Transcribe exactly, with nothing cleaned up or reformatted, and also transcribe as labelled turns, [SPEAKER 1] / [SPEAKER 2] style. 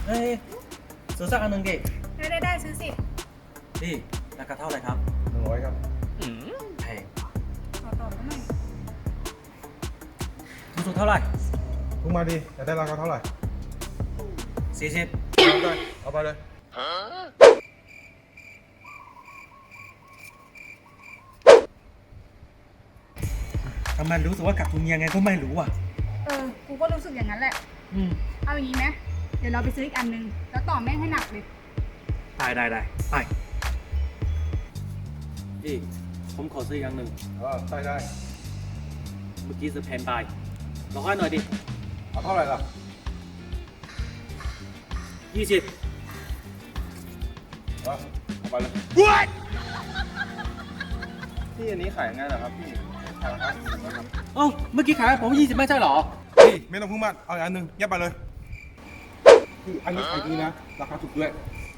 [SPEAKER 1] เฮ้ยซื้อสักอันหนึ่งดิ
[SPEAKER 2] ได้ได้ได้ซื้อสิ
[SPEAKER 1] นี่ราคาเท่าไหร่ครับ
[SPEAKER 3] หนึ่งร้อยครับ
[SPEAKER 1] แพง
[SPEAKER 2] ต่อต่อแล้วหน่อย
[SPEAKER 1] ถูกสุดเท่าไหร่
[SPEAKER 3] ทุกมาดิอยากได้ราคาเท่าไหร่
[SPEAKER 1] สี่สิบ
[SPEAKER 3] เอาไปเอาไปเลย
[SPEAKER 1] ทำไมรู้สึกว่ากัดทุนยังไงก็ไม่รู้อ่ะ
[SPEAKER 2] เออ กูก็รู้สึกอย่างนั้นแหละ
[SPEAKER 1] อืม
[SPEAKER 2] เอาอย่างนี้ไหมเดี๋ยวเราไปซื้ออีกอันนึง แล้วต่อแม่งให้หนักเลย
[SPEAKER 1] ได้ได้ได้ไปพี่ผมขอซื้ออย่างหนึ่ง
[SPEAKER 3] เออได้ได้
[SPEAKER 1] เมื่อกี้ซื้อแพนไปลองให้หน่อยดิ
[SPEAKER 3] เอาเท่าไหร่ล่ะ
[SPEAKER 1] ยี่สิบ
[SPEAKER 3] เออเอาไปเลย
[SPEAKER 4] พี่อันนี้ขายยังไงเหรอครับพี่ขายราคาถูกนะครับ
[SPEAKER 1] เอ้าเมื่อกี้ขายผมยี่สิบไม่ใช่เหรอ
[SPEAKER 3] พี่ไม่ต้องพึ่งมาเอาอีกอันหนึ่งแยกไปเลยพี่อันนี้ขายดีนะราคาถูกด้วย